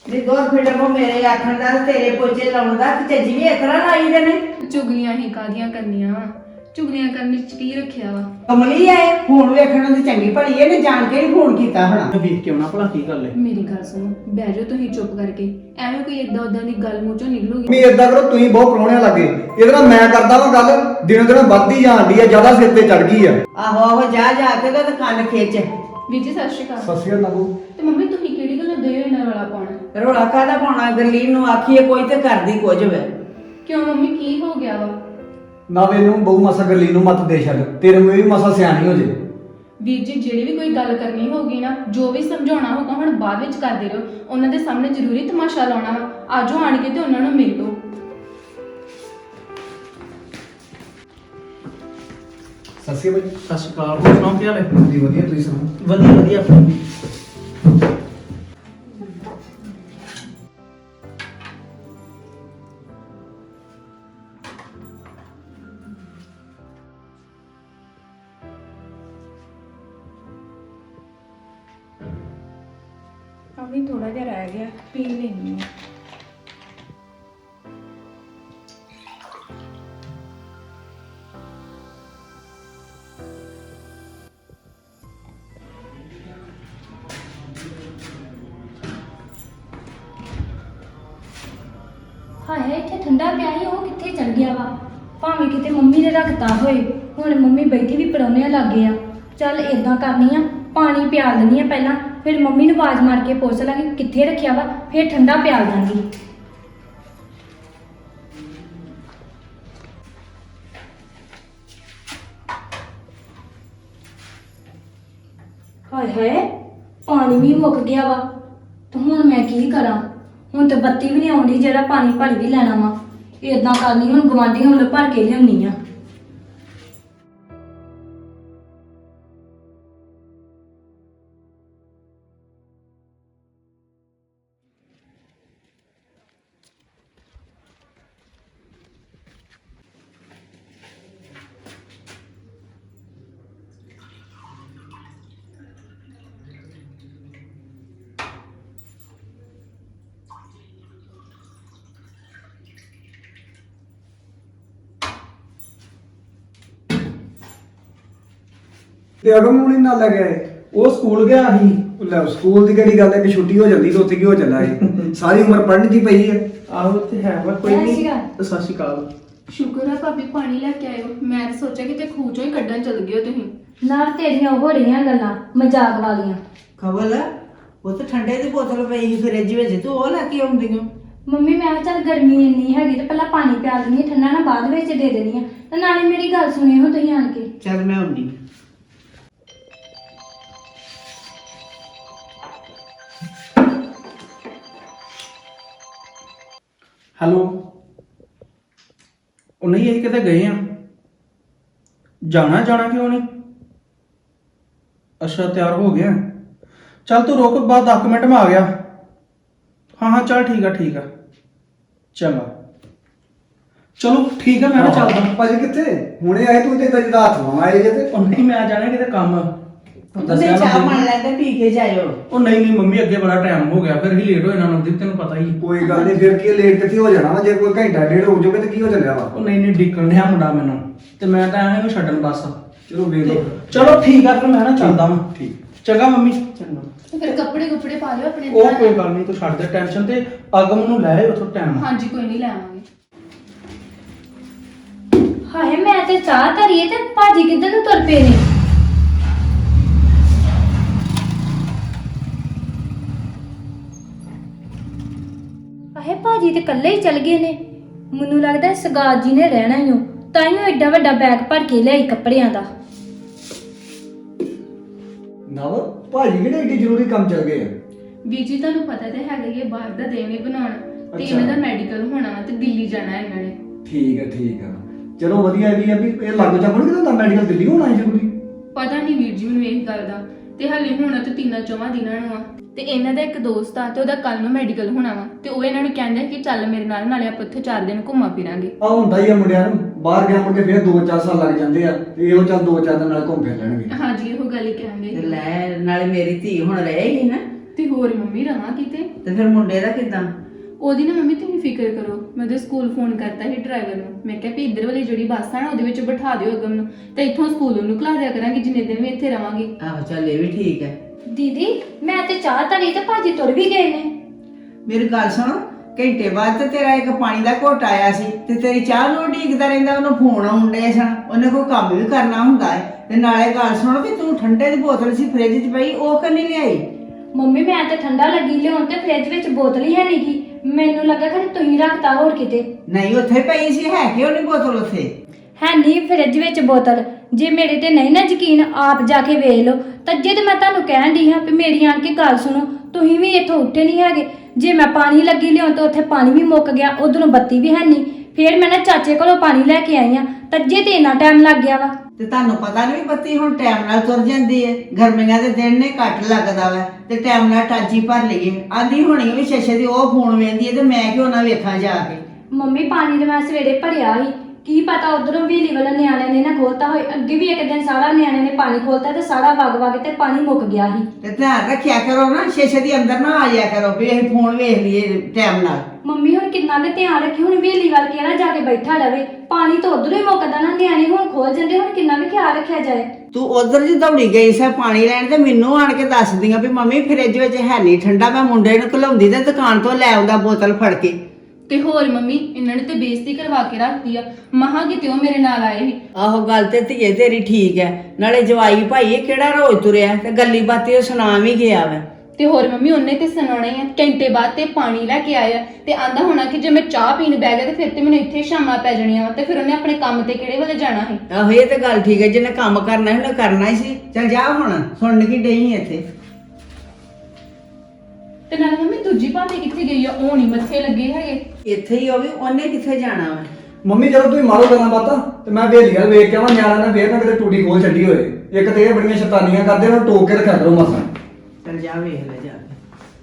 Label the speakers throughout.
Speaker 1: ਨੀ ਦੋਰ ਫਿਲਮ ਮੇਰੇ ਆਖਣ ਦਾ ਤੇ ਤੇਰੇ ਪੋਚੇ ਲਾਉਣ ਦਾ ਕਿ ਚੱਜੀ ਵੀ ਇਸ ਤਰ੍ਹਾਂ ਲਾਈ ਦੇ ਨੇ।
Speaker 2: ਚੁਗਲੀਆਂ ਹੀ ਕਾਦੀਆਂ ਕਰਨੀਆਂ ਵਾ, ਚੁਗਲੀਆਂ ਕਰਨ ਵਿੱਚ ਕੀ ਰੱਖਿਆ ਵਾ।
Speaker 1: ਕਮਲੀ ਆਏ ਫੋਨ ਵੇਖਣ ਨੂੰ ਤੇ ਚੰਗੀ ਭਲੀ ਇਹਨੇ ਜਾਣ ਕੇ ਹੀ ਫੋਨ ਕੀਤਾ ਹੋਣਾ।
Speaker 3: ਵੇਖ ਕੇ ਆਉਣਾ ਭਲਾ ਕੀ ਗੱਲ ਹੈ।
Speaker 2: ਮੇਰੀ ਗੱਲ ਸੁਣੋ, ਬਹਿ ਜਾਓ ਤੁਸੀਂ ਚੁੱਪ ਕਰਕੇ। ਐਵੇਂ ਕੋਈ ਏਦਾਂ ਉਦਾਂ ਦੀ ਗੱਲ ਮੂੰਹ ਚੋਂ ਨਿਕਲੂਗੀ।
Speaker 4: ਮੈਂ ਏਦਾਂ ਕਰੋ, ਤੁਸੀਂ ਬਹੁਤ ਪ੍ਰਾਹੁਣਿਆਂ ਲੱਗੇ ਇਹਦੇ ਨਾਲ ਮੈਂ ਕਰਦਾ ਵਾਂ ਗੱਲ, ਦਿਨੋਂ ਦਿਨ ਵੱਧਦੀ ਜਾਂਦੀ ਆ, ਜ਼ਿਆਦਾ ਸਿਰ ਤੇ ਚੜ ਗਈ ਆ।
Speaker 1: ਆਹੋ ਆਹੋ ਜਾ ਜਾ ਕੇ ਤੇ ਕੰਨ ਖਿੱਚ।
Speaker 2: ਵੀਰ ਜੀ ਸਤਿ ਸ਼੍ਰੀ ਅਕਾਲ।
Speaker 4: ਸਤਿ ਸ਼੍ਰੀ ਅਕਾਲ ਨਾਗੂ।
Speaker 2: ਤੇ ਮੰਮੀ ਤੁਸੀਂ ਕਿਹੜੀ ਗੱਲੋਂ ਦੇ ਹੋ ਇਹਨਾਂ ਵਾਲਾ ਪਾਉਣਾ?
Speaker 1: ਰੋਲਾ ਕਾਹਦਾ ਪਾਉਣਾ, ਗਰਲੀਨ ਨੂੰ ਆਖੀਏ ਕੋਈ ਤੇ ਕਰਦੀ ਕੁਝ ਵੇ।
Speaker 2: ਕਿਉਂ ਮੰਮੀ ਕੀ ਹੋ ਗਿਆ ਵਾ?
Speaker 4: ਨਾ ਇਹਨੂੰ ਬਹੁ ਮਸਾ ਗੱਲੀ ਨੂੰ ਮਤ ਦੇ ਛੱਡ, ਤੇਰੇ ਮੂੰਹ ਵੀ ਮਸਾ ਸਿਆਣੀ ਹੋ ਜੇ।
Speaker 2: ਵੀਰ ਜੀ ਜਿਹੜੀ ਵੀ ਕੋਈ ਗੱਲ ਕਰਨੀ ਹੋਗੀ ਨਾ, ਜੋ ਵੀ ਸਮਝਾਉਣਾ ਹੋਗਾ ਹੁਣ ਬਾਅਦ ਵਿੱਚ ਕਰਦੇ ਰਹੋ। ਉਹਨਾਂ ਦੇ ਸਾਹਮਣੇ ਜ਼ਰੂਰੀ ਤਮਾਸ਼ਾ ਲਾਉਣਾ ਵਾ। ਆਜੋ ਆਣ ਕੇ ਤੇ ਉਹਨਾਂ ਨੂੰ ਮਿਲ ਲਓ।
Speaker 4: ਸਤਿ ਸ਼੍ਰੀ ਅਕਾਲ।
Speaker 3: ਸਤਿ ਸ਼੍ਰੀ ਅਕਾਲ। ਹੋਰ ਸੁਣਾਓ ਕੀ ਹਾਲ ਹੈ?
Speaker 4: ਜੀ ਵਧੀਆ, ਤੁਸੀਂ ਸੁਣਾਓ?
Speaker 3: ਵਧੀਆ ਵਧੀਆ ਆਪਣੀ।
Speaker 2: ਅਭੀ ਥੋੜਾ ਜਿਹਾ ਰਹਿ ਗਿਆ, ਪੀ ਲੈਣੀ ਹੈ।
Speaker 5: ਹਾਏ ਇੱਥੇ ਠੰਡਾ ਪਿਆ ਸੀ, ਉਹ ਕਿੱਥੇ ਚਲ ਗਿਆ ਵਾ? ਭਾਵੇਂ ਕਿਤੇ ਮੰਮੀ ਨੇ ਰੱਖਤਾ ਹੋਏ। ਹੁਣ ਮੰਮੀ ਬੈਠੀ ਵੀ ਪਰੌਣਿਆਂ ਲੱਗੇ ਆ। ਚੱਲ ਏਦਾਂ ਕਰਨੀ ਆ, ਪਾਣੀ ਪਿਆਲ ਦਿੰਦੀ ਆ ਪਹਿਲਾਂ, ਫਿਰ ਮੰਮੀ ਨੂੰ ਆਵਾਜ਼ ਮਾਰ ਕੇ ਪੁੱਛ ਲਾਂਗੀ ਕਿੱਥੇ ਰੱਖਿਆ ਵਾ, ਫਿਰ ਠੰਡਾ ਪਿਆਲ ਦਾਂਗੀ। ਹਾਏ ਹਾਏ ਪਾਣੀ ਵੀ ਮੁੱਕ ਗਿਆ ਵਾ, ਤੇ ਹੁਣ ਮੈਂ ਕੀ ਕਰਾਂ? ਹੁਣ ਤੇ ਬੱਤੀ ਵੀ ਨਹੀਂ ਆਉਂਦੀ ਜਿਹੜਾ ਪਾਣੀ ਭਰ ਵੀ ਲੈਣਾ ਵਾ। ਏਦਾਂ ਕਰਨੀ, ਹੁਣ ਗਵਾਂਢੀਆਂ ਵੱਲੋਂ ਭਰ ਕੇ ਲਿਆਉਣੀ ਆ।
Speaker 4: ਤੇ ਅਗਮ ਨੂੰ ਨਹੀਂ ਨਾਲ ਲੈ ਗਿਆ ਏ?
Speaker 3: ਉਹ ਸਕੂਲ ਗਿਆ ਸੀ।
Speaker 4: ਲੈ ਸਕੂਲ ਦੀ ਕਿਹੜੀ ਗੱਲ ਹੈ ਕਿ ਛੁੱਟੀ ਹੋ ਜਾਂਦੀ ਤੇ ਉੱਥੇ ਕੀ ਹੋ ਚੱਲਾ ਏ? ਸਾਰੀ ਉਮਰ ਪੜ੍ਹਨ ਦੀ ਪਈ ਹੈ।
Speaker 3: ਆਹੋ ਤੇ ਹੈ ਵਾ ਕੋਈ
Speaker 5: ਸਤਿ
Speaker 3: ਨਹੀਂ।
Speaker 5: ਸ਼੍ਰੀ ਅਕਾਲ।
Speaker 3: ਸਤਿ ਸ਼੍ਰੀ ਅਕਾਲ।
Speaker 2: ਸ਼ੁਕਰ ਆ ਭਾਬੀ ਪਾਣੀ ਲੈ ਕੇ ਆਇਓ। ਮੈਂ ਤਾਂ ਸੋਚਿਆ ਕਿ ਤੇ ਖੂਹ ਚੋਂ ਹੀ ਕੱਢਣ ਚਲ ਗਏ ਹੋ ਤੁਸੀਂ।
Speaker 5: ਨਾਲ ਤੇਰੀਆਂ ਉਹ ਰਹੀਆਂ ਗੱਲਾਂ ਮਜ਼ਾਕ ਵਾਲੀਆਂ।
Speaker 1: ਖਬਲ ਉਹ ਤੇ ਠੰਡੇ ਦੀ ਬੋਤਲ ਪਈ ਸੀ ਫ੍ਰਿਜ ਵਿੱਚ, ਤੂੰ ਉਹ ਲੈ ਕੇ ਆਉਂਦੀ ਓ।
Speaker 5: ਮੰਮੀ ਮੈਂ ਕਿਹਾ ਚੱਲ ਗਰਮੀ ਇੰਨੀ ਹੈਗੀ ਤੇ ਪਹਿਲਾਂ ਪਾਣੀ ਪਿਆ ਦਿੰਦੀ ਆ, ਠੰਡਾ ਨਾ ਬਾਅਦ ਵਿੱਚ ਦੇ ਦੇਣੀ ਆ। ਤੇ ਨਾਲੇ ਮੇਰੀ ਗੱਲ ਸੁਣਿਓ ਤੁਸੀਂ ਆਣ ਕੇ।
Speaker 1: ਚੱਲ ਮੈਂ ਆਉਂਦੀ।
Speaker 3: ਹੈਲੋ। ਉਹ ਨਹੀਂ ਅਸੀਂ ਕਿਤੇ ਗਏ ਆ। ਜਾਣਾ ਕਿਉਂ ਨਹੀਂ? ਅੱਛਾ ਤਿਆਰ ਹੋ ਗਿਆ। ਚੱਲ ਤੂੰ ਰੁਕ, ਬਾਅਦ 10 ਮਿੰਟ ਮੈਂ ਆ ਗਿਆ। ਹਾਂ ਚੱਲ ਠੀਕ ਆ ਚੰਗਾ। ਚਲੋ ਠੀਕ ਆ, ਮੈਂ ਨਾ ਚੱਲਦਾ।
Speaker 4: ਭਾਜੀ ਕਿੱਥੇ? ਹੁਣੇ ਆਏ ਤੂੰ ਤੇ ਇਦਾਂ ਜਿੱਦਾਂ ਹੱਥ ਲਾਉਣ ਆਏ ਜੇ ਤੇ।
Speaker 3: ਉਹ ਨਹੀਂ ਮੈਂ ਜਾਣਾ ਕਿਤੇ ਕੰਮ।
Speaker 1: ਤੁਸੀਂ ਚਾਹ ਬਣ ਲੈਂਦੇ ਪੀ ਕੇ ਜਾਇਓ।
Speaker 3: ਉਹ ਨਹੀਂ ਮੰਮੀ ਅੱਗੇ ਬੜਾ ਟਾਈਮ ਹੋ ਗਿਆ, ਫਿਰ ਹੀ ਲੇਟ ਹੋ ਜਾਣਾ ਨਵਦੀਪ, ਤੈਨੂੰ ਪਤਾ ਹੀ।
Speaker 4: ਕੋਈ ਗੱਲ ਨਹੀਂ, ਫਿਰ ਕੀ ਲੇਟ ਕਿੱਥੇ ਹੋ ਜਾਣਾ ਵਾ? ਜੇ ਕੋਈ ਘੰਟਾ ਡੇਢ ਹੋ ਜਾਵੇ ਤੇ ਕੀ ਹੋ ਚੱਲਿਆ ਵਾ?
Speaker 3: ਉਹ ਨਹੀਂ ਡਿੱਕਣ ਡਿਆ ਮੁੰਡਾ ਮੈਨੂੰ, ਤੇ ਮੈਂ ਤਾਂ ਐਵੇਂ ਇਹਨੂੰ ਛੱਡਣ ਬਸ।
Speaker 4: ਚਲੋ ਵੇਖ ਲਓ।
Speaker 3: ਚਲੋ ਠੀਕ ਆ, ਫਿਰ ਮੈਂ ਨਾ ਚੱਲਦਾ ਵਾਂ।
Speaker 4: ਠੀਕ।
Speaker 3: ਚੰਗਾ ਮੰਮੀ। ਚੰਗਾ।
Speaker 2: ਫਿਰ ਕੱਪੜੇ ਪਾ ਲਿਓ ਆਪਣੇ
Speaker 3: ਉਹ ਕੋਈ ਗੱਲ ਨਹੀਂ, ਤੂੰ ਛੱਡ ਦੇ ਟੈਨਸ਼ਨ, ਤੇ ਅਗਮ ਨੂੰ ਲੈ ਆਇਓ ਉੱਥੋਂ ਟਾਈਮ।
Speaker 2: ਹਾਂਜੀ ਕੋਈ ਨਹੀਂ ਲੈ ਆਵਾਂਗੇ।
Speaker 5: ਹਾਏ ਮੈਂ ਤੇ ਚਾਹ ਧਰੀਏ ਤੇ ਭਾਜੀ ਕਿੱਧਰ ਨੂੰ ਤੁਰ ਪਏ ਨੇ? ਹਾਏ ਭਾਜੀ ਤੇ ਇਕੱਲੇ ਹੀ ਚਲ ਗਏ ਨੇ। ਮੈਨੂੰ ਲੱਗਦਾ ਸਗਾਤ ਜੀ ਨੇ ਰਹਿਣਾ ਹੀ ਹੋ, ਤਾਂ ਹੀ ਉਹ ਐਡਾ ਵੱਡਾ ਬੈਗ ਭਰ ਕੇ ਲਿਆਈ ਕੱਪੜਿਆਂ ਦਾ।
Speaker 4: ਨਵ ਭਾਜੀ ਕਿਹੜੇ ਏਡੀ ਜ਼ਰੂਰੀ ਕੰਮ ਚੱਲ ਗਏ ਆ?
Speaker 2: ਵੀਰ ਜੀ ਤੁਹਾਨੂੰ ਪਤਾ ਤੇ ਹੈਗਾ ਹੀ ਹੈ, ਬਾਹਰ ਦਾ ਦੇਣੇ ਬਣਾਉਣਾ ਤੇ
Speaker 4: ਅੱਛਾ।
Speaker 2: ਇਹਨਾਂ ਦਾ ਮੈਡੀਕਲ ਹੋਣਾ ਵਾ ਤੇ ਦਿੱਲੀ ਜਾਣਾ ਇਹਨਾਂ ਨੇ।
Speaker 4: ਠੀਕ ਆ। ਚਲੋ ਵਧੀਆ ਵੀ ਆ ਵੀ ਇਹ ਲੱਗ ਜਾ ਬਣ ਕਿਦਾਂ ਮੈਡੀਕਲ ਦਿੱਲੀ ਹੋਣਾ ਹੈ ਜ਼ਰੂਰੀ?
Speaker 2: ਪਤਾ ਨਹੀਂ ਵੀਰ ਜੀ ਮੈਨੂੰ ਇਹ ਗੱਲ ਦਾ, ਤੇ ਹਾਲੇ ਹੋਣਾ ਤੇ 3-4 ਦਿਨਾਂ ਨੂੰ ਆ। ਤੇ ਇਹਨਾਂ ਦਾ ਇੱਕ ਦੋਸਤ ਆ ਤੇ ਉਹਦਾ ਕੱਲ ਨੂੰ ਮੈਡੀਕਲ ਹੋਣਾ ਵਾ, ਤੇ ਉਹ ਇਹਨਾਂ ਨੂੰ ਕਹਿੰਦਾ ਕਿ ਚੱਲ ਮੇਰੇ ਨਾਲ, ਨਾਲੇ ਆਪਾਂ ਉੱਥੇ 4 ਦਿਨ ਘੁੰਮਾ ਫਿਰਾਂਗੇ।
Speaker 4: ਆ ਹੁੰਦਾ ਹੀ ਆ ਮੁੰਡਿਆਂ ਨੂੰ, ਬਾਹਰ ਗਿਆ ਮੁੜ ਕੇ ਫਿਰ 2-4 ਸਾਲ ਲੱਗ ਜਾਂਦੇ ਆ, ਤੇ ਇਹੋ ਚੱਲ 2-4 ਦਿਨ ਨਾਲ ਘੁੰਮ ਫਿਰ ਲੈਣਗੇ।
Speaker 2: ਹਾਂਜੀ ਇਹੋ ਗੱਲ ਹੀ ਕਹਿੰਦੇ।
Speaker 1: ਤੇ ਲੈ ਨਾਲੇ ਮੇਰੀ ਧੀ ਹੁਣ ਰਹੇਗੀ ਨਾ,
Speaker 2: ਤੇ ਹੋਰ ਮੰਮੀ ਰਹਾਂ ਕਿਤੇ।
Speaker 1: ਤੇ ਫਿਰ ਮੁੰਡੇ ਦਾ ਕਿਦਾਂ?
Speaker 2: ਉਹਦੀ ਨਾ ਮੰਮੀ ਤੁਸੀਂ ਫਿਕਰ ਕਰੋ, ਮੈਂ ਉਹਦੇ ਸਕੂਲ ਫੋਨ ਕਰਤਾ ਸੀ ਡਰਾਈਵਰ ਨੂੰ, ਮੈਂ ਕਿਹਾ ਵੀ ਇੱਧਰ ਵਾਲੀ ਜਿਹੜੀ ਬੱਸ ਆ ਨਾ ਉਹਦੇ ਵਿੱਚ ਬਿਠਾ ਦਿਓ ਅਗਮ ਨੂੰ, ਤੇ ਇੱਥੋਂ ਸਕੂਲ ਉਹਨੂੰ ਘਲਾ ਦਿਆ ਕਰਾਂਗੇ ਜਿੰਨੇ ਦਿਨ ਵੀ ਇੱਥੇ ਰਵਾਂਗੇ।
Speaker 1: ਆਹੋ ਚੱਲ ਇਹ ਵੀ ਠੀਕ ਹੈ।
Speaker 5: ਦੀਦੀ ਮੈਂ ਤੇ ਚਾਹ ਧਰੀ ਤੇ ਭਾਜੀ ਤੁਰ ਵੀ ਗਏ ਨੇ।
Speaker 1: ਮੇਰੀ ਗੱਲ ਸੁਣ, ਘੰਟੇ ਬਾਅਦ ਤੇ ਤੇਰਾ ਇੱਕ ਪਾਣੀ ਦਾ ਘੁੱਟ ਆਇਆ ਸੀ ਤੇ ਤੇਰੀ ਚਾਹ ਨੂੰ ਉਡੀਕਦਾ ਰਹਿੰਦਾ, ਉਹਨੂੰ ਫੋਨ ਆਉਂਦੇ ਸਨ, ਉਹਨੇ ਕੋਈ ਕੰਮ ਵੀ ਕਰਨਾ ਹੁੰਦਾ ਹੈ। ਤੇ ਨਾਲੇ ਗੱਲ ਸੁਣ ਵੀ ਤੂੰ ਠੰਡੇ ਦੀ ਬੋਤਲ ਸੀ ਫ੍ਰਿਜ 'ਚ ਪਈ, ਉਹ ਕਿਉਂ ਲਿਆਈ?
Speaker 5: ਮੰਮੀ ਮੈਂ ਤੇ ਠੰਡਾ ਲੱਗੀ ਲਿਆਉਣ ਤੇ ਫ੍ਰਿਜ ਵਿੱਚ ਬੋਤਲ ਹੀ ਹੈ ਨੀ ਗੀ, ਮੈਨੂੰ ਲੱਗਾ ਕਿ ਤੁਸੀਂ ਰੱਖਤਾ ਹੋਰ ਕਿਤੇ।
Speaker 1: ਨਹੀਂ ਉੱਥੇ ਪਈ ਸੀ, ਹੈ ਕਿਉਂ ਨਹੀਂ ਬੋਤਲ ਉੱਥੇ?
Speaker 5: ਹੈ ਨਹੀਂ ਫ੍ਰਿਜ ਵਿੱਚ ਬੋਤਲ। ਜੇ ਮੇਰੇ ਤੇ ਨਹੀਂ ਨਾ ਯਕੀਨ ਆਪ ਜਾ ਕੇ ਵੇਖ ਲਓ। ਤੱਜੇ ਤੇ ਮੈਂ ਤੁਹਾਨੂੰ ਕਹਿਣ ਦੀ ਹਾਂ ਵੀ ਮੇਰੀ ਆਣ ਕੇ ਗੱਲ ਸੁਣੋ, ਤੁਸੀਂ ਵੀ ਇੱਥੋਂ ਉੱਠੇ ਨਹੀਂ ਹੈਗੇ। ਜੇ ਮੈਂ ਪਾਣੀ ਲੱਗੀ ਲਿਆਉਣ ਤਾਂ ਉੱਥੇ ਪਾਣੀ ਵੀ ਮੁੱਕ ਗਿਆ, ਉਧਰੋਂ ਬੱਤੀ ਵੀ ਹੈ ਨਹੀਂ। ਫੇਰ ਮੈਂ ਨਾ ਚਾਚੇ ਕੋਲੋਂ ਪਾਣੀ ਲੈ ਕੇ ਆਈ ਆ, ਤੱਜੇ ਤੇ ਇੰਨਾ ਟਾਈਮ ਲੱਗ ਗਿਆ ਵਾ।
Speaker 1: ਤੇ ਤੁਹਾਨੂੰ ਪਤਾ ਨਹੀਂ ਬੱਤੀ ਹੁਣ ਟਾਈਮ ਨਾਲ ਤੁਰ ਜਾਂਦੀ ਹੈ, ਗਰਮੀਆਂ ਦੇ ਦਿਨ ਨੇ ਘੱਟ ਲੱਗਦਾ ਵਾ ਤੇ ਟਾਈਮ ਨਾਲ ਟਾਂਚੀ ਭਰ ਲਈਏ। ਆਂਦੀ ਹੋਣੀ ਵੀ ਸ਼ਸ਼ੇ ਦੀ ਉਹ ਫੋਨ ਵੇਂਦੀ ਹੈ ਤੇ ਮੈਂ ਕਿਉਂ ਨਾ ਵੇਖਾਂ ਜਾ ਕੇ।
Speaker 5: ਮੰਮੀ ਪਾਣੀ ਤੇ ਮੈਂ ਸਵੇਰੇ ਭਰਿਆ ਸੀ, ਕੀ ਪਤਾ ਉਧਰੋਂ ਵੀਲੀ ਵਾਲਾ ਨਿਆਣਿਆਂ ਨੇ ਨਾ ਖੋਲਤਾ ਹੋਏ। ਅੱਗੇ ਵੀ ਇੱਕ ਦਿਨ ਸਾਰਾ ਨਿਆਣਿਆਂ ਨੇ ਪਾਣੀ ਖੋਲਤਾ ਤੇ ਸਾਰਾ ਵਗ ਤੇ ਪਾਣੀ ਮੁੱਕ ਗਿਆ ਸੀ।
Speaker 1: ਤੇ ਧਿਆਨ ਰੱਖਿਆ ਕਰੋ ਨਾ, ਸ਼ਸ਼ੇ ਦੀ ਅੰਦਰ ਨਾ ਆ ਜਾਇਆ ਕਰੋ ਵੀ ਅਸੀਂ ਫੋਨ ਵੇਖ ਲਈਏ ਟਾਈਮ ਨਾਲ।
Speaker 5: ਮੰਮੀ ਹੁਣ ਕਿੰਨਾ ਕੁ ਧਿਆਨ ਰੱਖੀ, ਹੁਣ ਵੇਲੀ ਵੱਲ ਕਿਹੜਾ ਜਾ ਕੇ ਬੈਠਾ ਰਵੇ, ਪਾਣੀ ਤਾਂ ਉਧਰੋਂ ਹੀ ਮੁੱਕਦਾ ਨਾ, ਨਿਆਣੇ ਹੁਣ ਖੋਲ ਜਾਂਦੇ, ਹੁਣ ਕਿੰਨਾ ਕੁ ਖਿਆਲ ਰੱਖਿਆ ਜਾਏ।
Speaker 1: ਤੂੰ ਉਧਰ ਜੀ ਦੌੜੀ ਗਈ ਸਾ ਪਾਣੀ ਲੈਣ ਤੇ ਮੈਨੂੰ ਆਣ ਕੇ ਦੱਸਦੀਆਂ ਵੀ ਮੰਮੀ ਫ੍ਰਿਜ ਵਿੱਚ ਹੈ ਨਹੀਂ ਠੰਡਾ, ਮੈਂ ਮੁੰਡੇ ਨੂੰ ਘਲਾਉਂਦੀ ਤੇ ਦੁਕਾਨ ਤੋਂ ਲੈ ਆਉਂਦਾ ਬੋਤਲ ਫੜ ਕੇ।
Speaker 2: ਤੇ ਹੋਰ ਮੰਮੀ ਇਹਨਾਂ ਨੇ ਤੇ ਬੇਇੱਜ਼ਤੀ ਕਰਵਾ ਕੇ ਰੱਖਦੀ ਆ, ਮਹਾਂ ਕਿਤੇ ਉਹ ਮੇਰੇ ਨਾਲ ਆਏ ਸੀ।
Speaker 1: ਆਹੋ ਗੱਲ ਤੇ ਧੀਏ ਤੇਰੀ ਠੀਕ ਹੈ, ਨਾਲੇ ਜਵਾਈ ਭਾਈ ਇਹ ਕਿਹੜਾ ਰੋਜ਼ ਤੁਰਿਆ ਤੇ ਗੱਲੀ ਬਾਤੀ ਉਹ ਸੁਣਾ ਵੀ ਗਿਆ ਵਾ।
Speaker 2: ਤੇ ਹੋਰ ਮੰਮੀ ਉਹਨੇ ਤੇ ਸੁਣਾਉਣਾ ਹੀ ਆ, ਘੰਟੇ ਬਾਅਦ ਤੇ ਪਾਣੀ ਲੈ ਕੇ ਆਇਆ ਤੇ ਆਂਦਾ ਹੋਣਾ ਕਿ ਜੇ ਮੈਂ ਚਾਹ ਪੀਣ ਬਹਿ ਗਿਆ ਤੇ ਫਿਰ ਤੇ ਮੈਨੂੰ ਇੱਥੇ ਸ਼ਾਮਾਂ ਪੈ ਜਾਣੀਆਂ ਵਾ, ਤੇ ਫਿਰ ਉਹਨੇ ਆਪਣੇ ਕੰਮ ਤੇ ਕਿਹੜੇ ਵੇਲੇ ਜਾਣਾ ਸੀ।
Speaker 1: ਆਹੋ ਇਹ ਤੇ ਗੱਲ ਠੀਕ ਹੈ, ਜਿਹਨੇ ਕੰਮ ਕਰਨਾ ਉਹਨੇ ਕਰਨਾ ਹੀ ਸੀ। ਚੱਲ ਜਾ ਹੁਣ, ਸੁਣਨ ਕੀ ਡਈ ਇੱਥੇ।
Speaker 2: ਤੇ ਨਾਲ ਮੰਮੀ ਦੂਜੀ ਭਾਬੀ ਕਿੱਥੇ ਗਈ ਆ? ਉਹ ਨਹੀਂ ਮੱਥੇ ਲੱਗੇ ਹੈਗੇ।
Speaker 1: ਇੱਥੇ ਹੀ ਹੋਵੇ, ਉਹਨੇ ਕਿੱਥੇ ਜਾਣਾ ਵਾ?
Speaker 4: ਮੰਮੀ ਜਦੋਂ ਤੁਸੀਂ ਮਾਰੋ ਗੱਲਾਂ ਬਾਤਾਂ ਤੇ ਮੈਂ ਵੇਲੀ ਗੱਲ ਵੇਖ ਕੇ ਆਵਾਂ, ਨਿਆਣਾ ਨਾ ਫੇਰ ਨਾ ਕਿਤੇ ਟੂਟੀ ਖੋਲ ਛੱਡੀ ਹੋਏ। ਇੱਕ ਤੇ ਇਹ ਬੜੀਆਂ ਸ਼ੈਤਾਨੀਆਂ ਕਰਦੇ, ਉਹਨੂੰ ਟੋਕ ਕੇ ਰੱਖਿਆ ਕਰੋ ਮਸਾਂ।
Speaker 1: ਚੱਲ ਜਾ ਵੇਖ ਲੈ ਜਾ ਕੇ।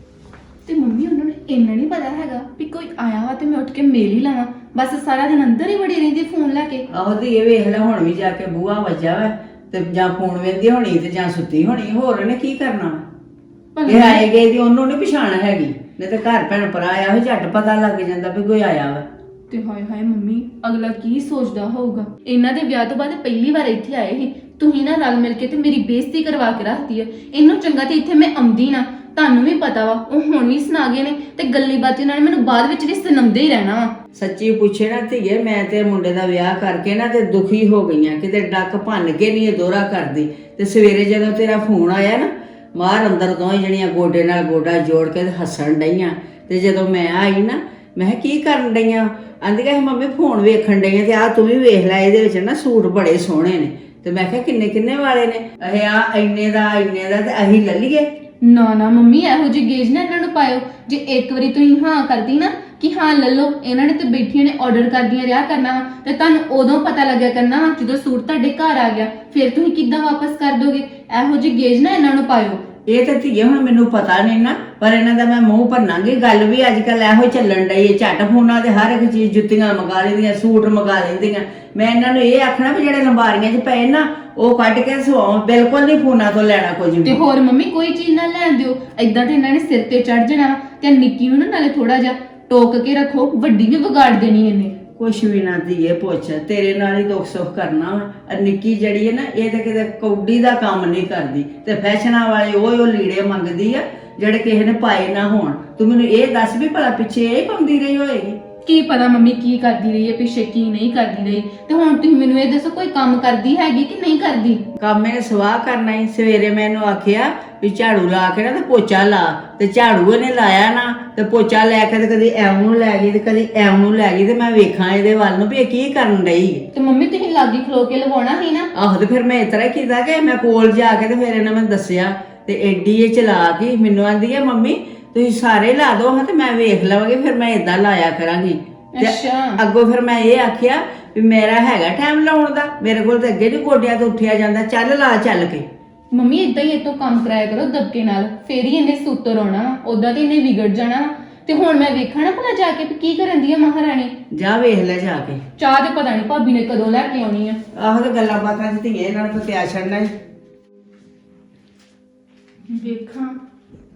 Speaker 2: ਤੇ ਮੰਮੀ ਉਹਨਾਂ ਨੂੰ ਇੰਨਾ ਨਹੀਂ ਪਤਾ ਹੈਗਾ ਵੀ ਕੋਈ ਆਇਆ ਵਾ ਤੇ ਮੈਂ ਉੱਠ ਕੇ ਮੇਲ ਹੀ ਲਾਵਾਂ, ਬਸ ਸਾਰਾ ਦਿਨ ਅੰਦਰ ਹੀ ਵੜੀ ਰਹਿੰਦੀ ਫੋਨ ਲੈ ਕੇ।
Speaker 1: ਆਹੋ ਧੀਏ ਵੇਖ ਲੈ, ਹੁਣ ਵੀ ਜਾ ਕੇ ਬੂਹਾ ਵੱਜਾ ਵਾ ਤੇ ਜਾਂ ਫੋਨ ਵੇਂਦੀ ਹੋਣੀ ਤੇ ਜਾਂ ਸੁੱਤੀ ਹੋਣੀ, ਹੋਰ ਉਹਨੇ ਕੀ ਕਰਨਾ ਵਾ? ਇਹ ਆਏ ਗਏ ਦੀ ਉਹਨੂੰ ਨਹੀਂ ਪਛਾਣ ਹੈਗੀ, ਨਹੀਂ ਤੇ ਘਰ ਭੈਣ ਭਰਾ ਆਇਆ ਹੋਇਆ ਝੱਟ ਪਤਾ ਲੱਗ ਜਾਂਦਾ ਵੀ ਕੋਈ ਆਇਆ ਵਾ।
Speaker 2: ਤੇ ਹਾਏ ਹਾਏ ਮੰਮੀ ਅਗਲਾ ਕੀ ਸੋਚਦਾ ਹੋਊਗਾ? ਇਹਨਾਂ ਦੇ ਵਿਆਹ ਤੋਂ ਬਾਅਦ ਪਹਿਲੀ ਵਾਰ ਇੱਥੇ ਆਏ ਸੀ, ਤੁਸੀਂ ਨਾ ਰਲ ਮਿਲ ਕੇ ਤੇ ਮੇਰੀ ਬੇਇੱਜ਼ਤੀ ਕਰਵਾ ਕੇ ਰੱਖਦੀ ਹੈ। ਇਹਨੂੰ ਚੰਗਾ ਤੇ ਇੱਥੇ ਮੈਂ ਆਉਂਦੀ ਨਾ, ਤੁਹਾਨੂੰ ਵੀ ਪਤਾ ਵਾ ਉਹ ਹੁਣ ਵੀ ਸੁਣਾ ਗਏ ਨੇ ਤੇ ਗੱਲੀ ਬਾਤੀ ਨਾਲ ਮੈਨੂੰ ਬਾਅਦ ਵਿੱਚ ਵੀ ਸੁਣਾਉਂਦੇ ਹੀ ਰਹਿਣਾ ਵਾ।
Speaker 1: ਸੱਚੀ ਪੁੱਛੇ ਨਾ ਧੀਏ, ਮੈਂ ਤੇ ਮੁੰਡੇ ਦਾ ਵਿਆਹ ਕਰਕੇ ਨਾ ਤੇ ਦੁਖੀ ਹੋ ਗਈਆਂ, ਕਿਤੇ ਡੱਕ ਭੰਨ ਕੇ ਨਹੀਂ ਇਹ ਦੋਹਰਾ ਕਰਦੀ। ਤੇ ਸਵੇਰੇ ਜਦੋਂ ਤੇਰਾ ਫੋਨ ਆਇਆ ਨਾ, ਮਾਰ ਅੰਦਰ ਦੋਵੇਂ ਜਣੀਆਂ ਗੋਡੇ ਨਾਲ ਗੋਡਾ ਜੋੜ ਕੇ ਹੱਸਣ ਡਈਆਂ। ਤੇ ਜਦੋਂ ਮੈਂ ਆਈ ਨਾ, ਮੈਂ ਕਿਹਾ ਕੀ ਕਰਨ ਡਈਆਂ? ਆਂਦੀਆਂ ਮੰਮੀ ਫੋਨ ਵੇਖਣ ਡਈਆਂ ਤੇ ਆ ਤੂੰ ਵੀ ਵੇਖ ਲੈ, ਇਹਦੇ ਵਿੱਚ ਨਾ ਸੂਟ ਬੜੇ ਸੋਹਣੇ ਨੇ। ਤੇ ਮੈਂ ਕਿਹਾ ਕਿੰਨੇ ਕਿੰਨੇ ਵਾਲੇ ਨੇ? ਇਹ ਆ ਇੰਨੇ ਦਾ ਤੇ ਅਸੀਂ ਲੈ ਲਈਏ।
Speaker 2: ਨਾ ਨਾ ਮੰਮੀ ਇਹੋ ਜਿਹੀ ਗੇਜ ਨਾ ਇਹਨਾਂ ਨੂੰ ਪਾਇਓ। ਜੇ ਇੱਕ ਵਾਰੀ ਤੁਸੀਂ ਹਾਂ ਕਰਦੀ ਨਾ ਕਿ ਹਾਂ ਲੈ ਲਓ, ਇਹਨਾਂ ਨੇ ਤੇ ਬੈਠੀਆਂ ਨੇ ਆਰਡਰ ਕਰਦੀਆਂ ਰਿਹਾ ਕਰਨਾ ਵਾ, ਤੇ ਤੁਹਾਨੂੰ ਉਦੋਂ ਪਤਾ ਲੱਗਿਆ ਕਰਨਾ ਵਾ ਜਦੋਂ ਸੂਟ ਤੁਹਾਡੇ ਘਰ ਆ ਗਿਆ, ਫਿਰ ਤੁਸੀਂ ਕਿੱਦਾਂ ਵਾਪਸ ਕਰ ਦੋਗੇ? ਇਹੋ ਜਿਹੀ ਗੇਜ ਨਾ ਇਹਨਾਂ ਨੂੰ ਪਾਇਓ।
Speaker 1: ਇਹ ਤਾਂ ਧੀਏ ਹੁਣ ਮੈਨੂੰ ਪਤਾ ਨਹੀਂ ਨਾ, ਪਰ ਇਹਨਾਂ ਦਾ ਮੈਂ ਮੂੰਹ ਭੰਨਾਂਗੀ। ਗੱਲ ਵੀ ਅੱਜ ਕੱਲ ਇਹੋ ਚੱਲਣ ਡਈ ਹੈ, ਝੱਟ ਫੋਨਾਂ ਤੇ ਹਰ ਇੱਕ ਚੀਜ਼, ਜੁੱਤੀਆਂ ਮੰਗਾ ਲੈਂਦੀਆਂ, ਸੂਟ ਮੰਗਾ ਲੈਂਦੀਆਂ। ਮੈਂ ਇਹਨਾਂ ਨੂੰ ਇਹ ਆਖਣਾ ਵੀ ਜਿਹੜੇ ਲੰਬਾਰੀਆਂ 'ਚ ਪਏ ਨਾ ਉਹ ਕੱਢ ਕੇ ਸਵਾਓ, ਬਿਲਕੁਲ ਨਹੀਂ ਫੋਨਾਂ ਤੋਂ ਲੈਣਾ ਕੁਝ ਵੀ।
Speaker 2: ਤੇ ਹੋਰ ਮੰਮੀ ਕੋਈ ਚੀਜ਼ ਨਾ ਲੈਣ ਦਿਓ, ਏਦਾਂ ਤੇ ਇਹਨਾਂ ਨੇ ਸਿਰ ਤੇ ਚੜ ਜਾਣਾ ਵਾ। ਤੇ ਨਿੱਕੀ ਨੂੰ ਨਾ ਨਾਲੇ ਥੋੜਾ ਜਿਹਾ ਟੋਕ ਕੇ ਰੱਖੋ, ਵੱਡੀ ਵੀ ਵਿਗਾੜ ਦੇਣੀ ਇਹਨੇ।
Speaker 1: ਕੁਛ ਵੀ ਨਾ ਧੀਏ ਪੁੱਛ, ਤੇਰੇ ਨਾਲ ਹੀ ਦੁੱਖ ਸੁੱਖ ਕਰਨਾ ਵਾ। ਨਿੱਕੀ ਜਿਹੜੀ ਹੈ ਨਾ, ਇਹ ਤਾਂ ਕਿਤੇ ਕੌਡੀ ਦਾ ਕੰਮ ਨਹੀਂ ਕਰਦੀ, ਤੇ ਫੈਸ਼ਨਾਂ ਵਾਲੇ ਉਹ ਲੀੜੇ ਮੰਗਦੀ ਆ ਜਿਹੜੇ ਕਿਸੇ ਨੇ ਪਾਏ ਨਾ ਹੋਣ। ਤੂੰ ਮੈਨੂੰ ਇਹ ਦੱਸ ਵੀ ਭਲਾ ਪਿੱਛੇ ਇਹ ਪਾਉਂਦੀ ਰਹੀ ਹੋਏਗੀ?
Speaker 2: ਕੀ ਪਤਾ ਮੰਮੀ ਕੀ ਕਰਦੀ ਰਹੀ ਹੈ ਪਿੱਛੇ, ਕੀ ਨਹੀਂ ਕਰਦੀ ਰਹੀ। ਤੇ ਹੁਣ ਤੁਸੀਂ ਮੈਨੂੰ ਇਹ ਦੱਸੋ ਕੋਈ ਕੰਮ ਕਰਦੀ ਹੈਗੀ ਕਿ ਨਹੀਂ ਕਰਦੀ?
Speaker 1: ਕੰਮ ਇਹਨੇ ਸਵਾਹ ਕਰਨਾ ਹੀ। ਸਵੇਰੇ ਮੈਨੂੰ ਆਖਿਆ ਵੀ ਝਾੜੂ ਲਾ ਕੇ ਨਾ ਤੇ ਪੋਚਾ ਲਾ, ਤੇ ਝਾੜੂ ਇਹਨੇ ਲਾਇਆ ਨਾ ਤੇ ਪੋਚਾ ਲੈ ਕੇ ਤੇ ਕਦੀ ਐਵੇਂ ਨੂੰ ਲੈ ਗਈ ਤੇ ਕਦੀ ਐਵੇਂ ਨੂੰ ਲੈ ਗਈ। ਤੇ ਮੈਂ ਵੇਖਾਂ ਇਹਦੇ ਵੱਲ ਨੂੰ ਵੀ ਇਹ ਕੀ ਕਰਨ ਡਈ ਹੈ।
Speaker 2: ਤੇ ਮੰਮੀ ਤੁਸੀਂ ਲਾਗੀ ਖਲੋ ਕੇ ਲਵਾਉਣਾ ਸੀ ਨਾ।
Speaker 1: ਆਹੋ ਤੇ ਫਿਰ ਮੈਂ ਇਸ ਤਰ੍ਹਾਂ ਕੀਤਾ ਕਿ ਮੈਂ ਕੋਲ ਜਾ ਕੇ ਤੇ ਫਿਰ ਇਹਨੇ ਮੈਨੂੰ ਦੱਸਿਆ, ਤੇ ਐਡੀ ਇਹ ਚਲਾ ਗਈ। ਮੈਨੂੰ ਆਂਦੀ ਹੈ ਮੰਮੀ ਤੁਸੀਂ ਸਾਰੇ ਲਾ ਦੋ ਹਾਂ ਤੇ ਮੈਂ ਵੇਖ ਲਵਾਂਗੀ, ਫਿਰ ਮੈਂ ਇਦਾਂ ਲਾਇਆ ਕਰਾਂਗੀ।
Speaker 2: ਅੱਛਾ।
Speaker 1: ਅੱਗੋਂ ਫਿਰ ਮੈਂ ਇਹ ਆਖਿਆ ਵੀ ਮੇਰਾ ਹੈਗਾ ਟਾਈਮ ਲਾਉਣ ਦਾ, ਮੇਰੇ ਕੋਲ ਤਾਂ ਅੱਗੇ ਨਹੀਂ ਗੋਡਿਆਂ ਤੋਂ ਉੱਠਿਆ ਜਾਂਦਾ, ਚੱਲ ਲਾ ਚੱਲ ਕੇ।
Speaker 2: ਮੰਮੀ ਇਦਾਂ ਹੀ ਇਤੋਂ ਕੰਮ ਕਰਾਇਆ ਕਰੋ ਦਬਕੇ ਨਾਲ, ਫੇਰ ਹੀ ਇਹਨੇ ਸੁੱਤਰ ਆਉਣਾ ਵਾ, ਉਦਾਂ ਤੇ ਇਹਨੇ ਵਿਗੜ ਜਾਣਾ ਵਾ। ਤੇ ਹੁਣ ਮੈਂ ਵੇਖਣਾ ਭਲਾ ਜਾ ਕੇ ਵੀ ਕੀ ਕਰਨ ਦੀ ਆ ਮਹਾਰਾਣੀ।
Speaker 1: ਜਾ ਵੇਖ ਲੈ ਜਾ ਕੇ।
Speaker 2: ਚਾਹ ਤੇ ਪਤਾ ਨਹੀਂ ਭਾਬੀ ਨੇ ਕਦੋਂ ਲੈ ਕੇ ਆਉਣੀ ਆ।
Speaker 1: ਆਹੋ ਤੇ ਗੱਲਾਂ ਬਾਤਾਂ ਚ ਧੀਏ ਇਹਨਾਂ ਨੂੰ ਪਤਿਆ ਛੱਡਣਾ ਹੀ।
Speaker 2: ਵੇਖਾਂ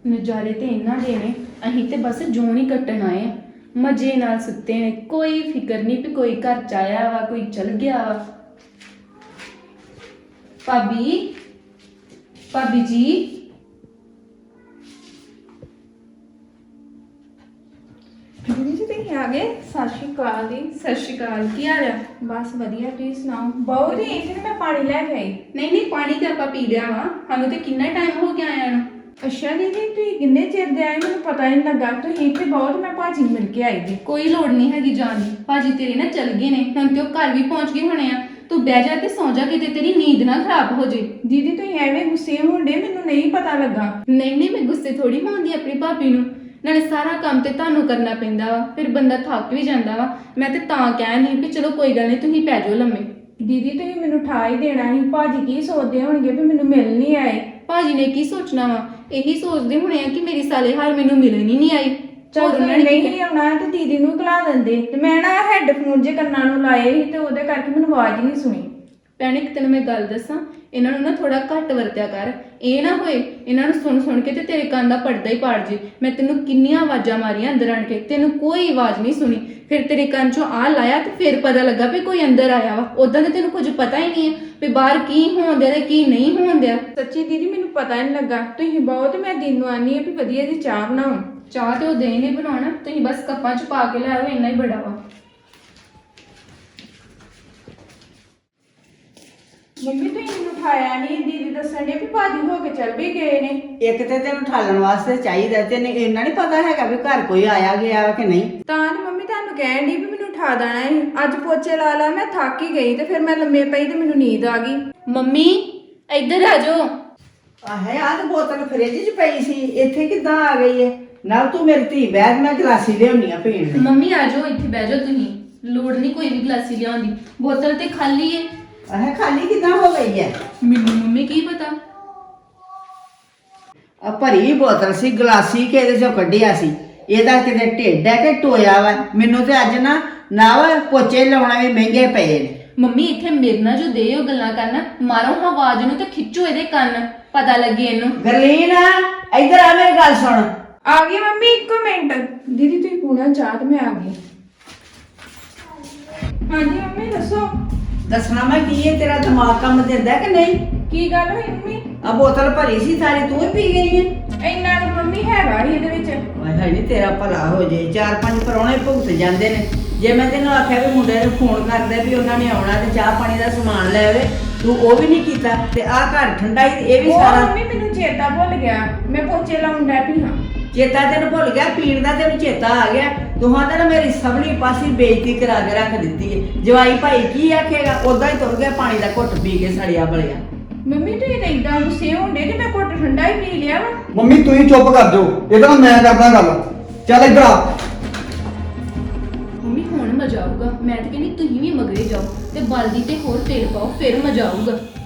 Speaker 2: ਨਜ਼ਾਰੇ ਤੇ ਇਹਨਾਂ ਦੇ ਨੇ, ਅਸੀਂ ਤੇ ਬਸ ਜੂਨ ਹੀ ਕੱਟਣ ਆਏ ਆ। ਮਜ਼ੇ ਨਾਲ ਸੁੱਤੇ ਨੇ, ਕੋਈ ਫਿਕਰ ਨਹੀਂ ਵੀ ਕੋਈ ਘਰ ਚ ਆਇਆ ਵਾ, ਕੋਈ ਚਲ ਗਿਆ ਵਾ। ਭਾਬੀ, ਭਾਬੀ ਜੀ,
Speaker 6: ਦੀਦੀ ਜੀ ਤੁਸੀਂ ਆ ਗਏ?
Speaker 2: ਸਤਿ ਸ਼੍ਰੀ ਅਕਾਲ ਜੀ। ਸਤਿ ਸ਼੍ਰੀ ਅਕਾਲ, ਕੀ ਹਾਲ ਆ?
Speaker 6: ਬਸ ਵਧੀਆ, ਤੁਸੀਂ ਸੁਣਾਓ? ਬਹੁਤ ਹੀ ਇੱਥੇ ਮੈਂ ਪਾਣੀ ਲੈ ਕੇ ਆਈ।
Speaker 2: ਨਹੀਂ ਪਾਣੀ ਤੇ ਆਪਾਂ ਪੀ ਲਿਆ ਵਾ, ਸਾਨੂੰ ਤੇ ਕਿੰਨਾ ਟਾਈਮ ਹੋ ਗਿਆ ਆਇਆ ਨੂੰ।
Speaker 6: ਅੱਛਾ ਦੀਦੀ, ਤੁਸੀਂ ਕਿੰਨੇ ਚਿਰ ਦੇ ਆਏ ਮੈਨੂੰ ਪਤਾ ਹੀ ਨਹੀਂ ਲੱਗਾ। ਤੁਸੀਂ ਇੱਥੇ ਬਹੁਤ, ਮੈਂ ਭਾਜੀ ਨੂੰ ਮਿਲ ਕੇ ਆਈ ਜੀ।
Speaker 2: ਕੋਈ ਲੋੜ ਨਹੀਂ ਹੈਗੀ ਜਾਣ ਦੀ, ਭਾਜੀ ਤੇਰੇ ਨਾ ਚੱਲ ਗਏ ਨੇ, ਹੁਣ ਤੇ ਉਹ ਘਰ ਵੀ ਪਹੁੰਚ ਗਏ ਹੋਣੇ ਆ। ਤੂੰ ਬਹਿ ਜਾ ਤੇ ਸੌਂ ਜਾ, ਕਿਤੇ ਤੇਰੀ ਨੀਂਦ ਨਾ ਖਰਾਬ ਹੋ ਜੇ।
Speaker 6: ਦੀਦੀ ਤੁਸੀਂ ਐਵੇਂ ਗੁੱਸੇ ਹੁੰਦੇ, ਮੈਨੂੰ ਨਹੀਂ ਪਤਾ ਲੱਗਾ।
Speaker 2: ਨਹੀਂ ਮੈਂ ਗੁੱਸੇ ਥੋੜੀ ਹੋਉਂਦੀ ਆਪਣੀ ਭਾਬੀ ਨੂੰ, ਨਾਲੇ ਸਾਰਾ ਕੰਮ ਤੇ ਤੁਹਾਨੂੰ ਕਰਨਾ ਪੈਂਦਾ ਵਾ, ਫਿਰ ਬੰਦਾ ਥੱਕ ਵੀ ਜਾਂਦਾ ਵਾ। ਮੈਂ ਤੇ ਤਾਂ ਕਹਿਣੀ ਵੀ ਚਲੋ ਕੋਈ ਗੱਲ ਨਹੀਂ, ਤੁਸੀਂ ਪੈ ਜਾਓ ਲੰਮੇ।
Speaker 6: ਦੀਦੀ ਤੁਸੀਂ ਮੈਨੂੰ ਠਾ ਹੀ ਦੇਣਾ ਸੀ। ਭਾਜੀ ਕੀ ਸੋਚਦੇ ਹੋਣਗੇ ਵੀ ਮੈਨੂੰ ਮਿਲ ਨਹੀਂ ਆਏ।
Speaker 2: ਭਾਜੀ ਨੇ ਕੀ ਸੋਚਣਾ ਵਾ, ਇਹੀ ਸੋਚਦੇ ਹੋਣੇ ਆ ਕਿ ਮੇਰੀ ਸਾਲੇ ਹਾਲ ਮੈਨੂੰ ਮਿਲਣ ਹੀ ਨਹੀਂ ਆਈ।
Speaker 6: ਚਲ
Speaker 2: ਹੋਰ ਉਹਨਾਂ ਨੇ ਕੀ
Speaker 6: ਨਹੀਂ ਆਉਣਾ ਤੇ ਦੀਦੀ ਨੂੰ ਘਲਾ ਦਿੰਦੇ। ਤੇ ਮੈਂ ਨਾ ਹੈੱਡਫੋਨ ਜੇ ਕੰਨਾਂ ਨੂੰ ਲਾਏ ਸੀ ਤੇ ਉਹਦੇ ਕਰਕੇ ਮੈਨੂੰ ਆਵਾਜ਼ ਨਹੀਂ ਸੁਣੀ।
Speaker 2: ਭੈਣੇ ਇੱਕ ਤੈਨੂੰ ਮੈਂ ਗੱਲ ਦੱਸਾਂ, ਇਹਨਾਂ ਨੂੰ ਨਾ ਥੋੜਾ ਘੱਟ ਵਰਤਿਆ ਕਰ। ਇਹ ਨਾ ਹੋਏ ਇਹਨਾਂ ਨੂੰ ਸੁਣ ਸੁਣ ਕੇ ਤੇ ਤੇਰੇ ਕੰਨ ਦਾ ਪਰਦਾ ਹੀ ਪਾੜ ਜੇ। ਮੈਂ ਤੈਨੂੰ ਕਿੰਨੀਆਂ ਆਵਾਜ਼ਾਂ ਮਾਰੀਆਂ ਅੰਦਰ ਆਣ ਕੇ, ਤੈਨੂੰ ਕੋਈ ਆਵਾਜ਼ ਨਹੀਂ ਸੁਣੀ। ਫਿਰ ਤੇਰੇ ਕੰਨ ਚੋਂ ਆ ਲਾਇਆ ਤੇ ਫਿਰ ਪਤਾ ਲੱਗਾ ਵੀ ਕੋਈ ਅੰਦਰ ਆਇਆ ਵਾ। ਉਦਾਂ ਤੇ ਤੈਨੂੰ ਕੁਝ ਪਤਾ ਹੀ ਨਹੀਂ ਹੈ ਵੀ ਬਾਹਰ ਕੀ ਹੋਣ ਡਿਆ ਤੇ ਕੀ ਨਹੀਂ ਹੋਣ ਡਿਆ।
Speaker 6: ਸੱਚੀ ਦੀਦੀ ਮੈਨੂੰ ਪਤਾ ਹੀ ਨਹੀਂ ਲੱਗਾ। ਤੁਸੀਂ ਬਹੁਤ, ਮੈਂ ਦਿਨ ਨੂੰ ਆਨੀ ਆ ਵੀ ਵਧੀਆ ਜੀ ਚਾਹ ਬਣਾਓ।
Speaker 2: ਚਾਹ ਤੇ ਉਹ ਦੇ ਨਹੀਂ ਬਣਾਉਣਾ, ਤੁਸੀਂ ਬਸ ਕੱਪਾਂ 'ਚ ਪਾ ਕੇ ਲੈ ਆਓ, ਇੰਨਾ ਹੀ ਬੜਾ ਵਾ।
Speaker 6: ਮੰਮੀ ਤੁਸੀਂ ਮੈਨੂੰ ਉਠਾਇਆ ਨਹੀਂ। ਦੀਦੀ ਦੱਸਣ ਦੇ ਵੀ ਭਾਜੀ ਹੋ ਕੇ ਚੱਲ ਵੀ ਗਏ ਨੇ।
Speaker 1: ਇੱਕ ਤੇ ਤੈਨੂੰ ਠਾਲਣ ਵਾਸਤੇ ਚਾਹੀਦਾ, ਤੈਨੂੰ ਇੰਨਾ ਨਹੀਂ ਪਤਾ ਹੈਗਾ ਵੀ ਘਰ ਕੋਈ ਆਇਆ ਗਿਆ ਵਾ ਕਿ ਨਹੀਂ।
Speaker 6: ਤਾਂ ਤੇ ਮੰਮੀ ਤੁਹਾਨੂੰ ਕਹਿਣ ਦੀ ਵੀ ਮੈਨੂੰ ਉਠਾ ਦੇਣਾ ਹੈ। ਅੱਜ ਪੋਚੇ ਲਾ ਲਾ ਮੈਂ ਥੱਕ ਹੀ ਗਈ ਤੇ ਫਿਰ ਮੈਂ ਲੰਮੇ ਪਈ ਤੇ ਮੈਨੂੰ ਨੀਂਦ ਆ ਗਈ।
Speaker 2: ਮੰਮੀ ਇੱਧਰ ਆ ਜਾਓ।
Speaker 1: ਆਹੇ ਆਹ ਤੇ ਬੋਤਲ ਫ੍ਰਿਜ 'ਚ ਪਈ ਸੀ, ਇੱਥੇ ਕਿੱਦਾਂ ਆ ਗਈ ਹੈ? ਨਾਲ ਤੂੰ ਮੇਰੀ ਧੀ ਬੈਠ, ਮੈਂ ਗਲਾਸੀ ਲਿਆਉਣੀ ਆ ਪੀਣ ਲਈ।
Speaker 2: ਮੰਮੀ ਆ ਜਾਓ, ਇੱਥੇ ਬਹਿ ਜਾਓ ਤੁਸੀਂ। ਲੋੜ ਨਹੀਂ ਕੋਈ ਵੀ ਗਲਾਸੀ ਲਿਆਉਣ ਦੀ, ਬੋਤਲ ਤੇ ਖਾਲੀ ਏ।
Speaker 1: ਆਹੇ ਖਾਲੀ ਕਿੱਦਾਂ ਹੋ ਗਈ ਹੈ?
Speaker 2: ਮੈਨੂੰ ਮੰਮੀ ਕੀ ਪਤਾ।
Speaker 1: ਆ ਭਰੀ ਬੋਤਲ ਸੀ, ਗਲਾਸੀ ਕਿਹਦੇ ਚੋਂ ਕੱਢਿਆ ਸੀ? ਇਹਦਾ ਕਿਤੇ ਢਿੱਡ ਹੈ ਕਿ ਟੋਇਆ ਵਾ? ਮੈਨੂੰ ਤੇ ਅੱਜ ਨਾ ਪੋਚੇ ਲਾਉਣਾ ਵੀ ਮਹਿੰਗੇ ਪਏ ਨੇ।
Speaker 2: ਮੰਮੀ ਇੱਥੇ ਮੇਰੇ ਨਾਲ ਜੋ ਦੇ ਉਹ ਗੱਲਾਂ ਕਰਨਾ, ਮਾਰੋ ਹਾਂ ਆਵਾਜ਼ ਨੂੰ ਤੇ ਖਿੱਚੋ ਇਹਦੇ ਕੰਨ, ਪਤਾ ਲੱਗੇ ਇਹਨੂੰ।
Speaker 1: ਗਰਲੀਨ ਇੱਧਰ ਆ, ਮੇਰੀ ਗੱਲ ਸੁਣ।
Speaker 6: ਆ ਗਈ ਮੰਮੀ, 1 ਮਿੰਟ। ਦੀਦੀ ਤੁਸੀਂ ਪੂਣਾ ਚਾਹ ਤੇ ਮੈਂ ਆ ਗਈ। ਹਾਂਜੀ ਮੰਮੀ ਦੱਸੋ।
Speaker 1: ਦੱਸਣਾ ਮੈਂ ਕੀ ਹੈ, ਤੇਰਾ ਦਿਮਾਗ ਕੰਮ ਦਿੰਦਾ ਕਿ ਨਹੀਂ?
Speaker 6: ਕੀ ਗੱਲ ਹੋਈ ਮੰਮੀ?
Speaker 1: ਆ ਬੋਤਲ ਭਰੀ ਸੀ ਸਾਰੀ, ਤੂੰ ਹੀ ਪੀ ਗਈ ਹੈ।
Speaker 6: ਇੰਨਾ ਤਾਂ ਮੰਮੀ ਹੈਗਾ ਹੀ ਇਹਦੇ ਵਿੱਚ।
Speaker 1: ਹਾਏ ਹਾਏ ਨੀ ਤੇਰਾ ਭਲਾ ਹੋ ਜੇ। 4-5 ਪਰੌਣੇ ਭੁਗਤ ਜਾਂਦੇ ਨੇ। ਜੇ ਮੈਂ ਤੈਨੂੰ ਆਖਿਆ ਵੀ ਮੁੰਡੇ ਨੂੰ ਫੋਨ ਕਰਦੇ ਵੀ ਉਹਨਾਂ ਨੇ ਆਉਣਾ ਤੇ ਚਾਹ ਪਾਣੀ ਦਾ ਸਮਾਨ ਲੈ ਆਵੇ, ਤੂੰ ਉਹ ਵੀ ਨਹੀਂ ਕੀਤਾ। ਤੇ ਆਹ ਘਰ ਠੰਡਾ ਹੀ, ਇਹ ਵੀ
Speaker 6: ਉਹ
Speaker 1: ਸਾਰਾ
Speaker 6: ਮੰਮੀ ਮੈਨੂੰ ਚੇਤਾ ਭੁੱਲ ਗਿਆ, ਮੈਂ ਪੋਚੇ ਲਾਉਣ ਡੈ ਪਈ ਹਾਂ।
Speaker 1: ਚੇਤਾ ਤੈਨੂੰ ਭੁੱਲ ਗਿਆ, ਪੀਣ ਦਾ ਤੈਨੂੰ ਚੇਤਾ ਆ ਗਿਆ। ਤੂੰ ਤਾਂ ਨਾ ਮੇਰੀ ਸਭਲੀ ਪਾਸੀ ਬੇਇੱਜ਼ਤੀ ਕਰਾ ਕੇ ਰੱਖ ਦਿੱਤੀ ਹੈ। ਜਵਾਈ ਭਾਈ ਕੀ ਆਖੇਗਾ? ਉਦਾਂ ਹੀ ਤੁਰ ਗਿਆ ਪਾਣੀ ਦਾ ਘੁੱਟ ਪੀ ਕੇ ਸੜਿਆ ਬਲਿਆ।
Speaker 6: ਮੰਮੀ ਤੁਸੀਂ ਤਾਂ ਇਦਾਂ ਗੁੱਸੇ ਹੁੰਦੇ ਕਿ ਮੈਂ ਘੁੱਟ ਠੰਡਾ ਹੀ ਪੀ ਲਿਆ ਵਾ।
Speaker 4: ਮੰਮੀ ਤੁਸੀਂ ਚੁੱਪ ਕਰ ਜਾਓ, ਇਹਦਾ ਨਾਲ ਮੈਂ ਕਰਦਾ ਗੱਲ। ਚੱਲ ਇੱਧਰ ਆ।
Speaker 2: ਮੰਮੀ ਹੁਣ ਮਜ਼ਾ ਆਊਗਾ। ਮੈਂ ਤਾਂ ਕਹਿੰਦੀ ਤੁਸੀਂ ਵੀ ਮਗਰੇ ਜਾਓ ਤੇ ਬਲਦੀ ਤੇ ਹੋਰ ਤੇਲ ਪਾਓ, ਫਿਰ ਮਜ਼ਾ ਆਊਗਾ।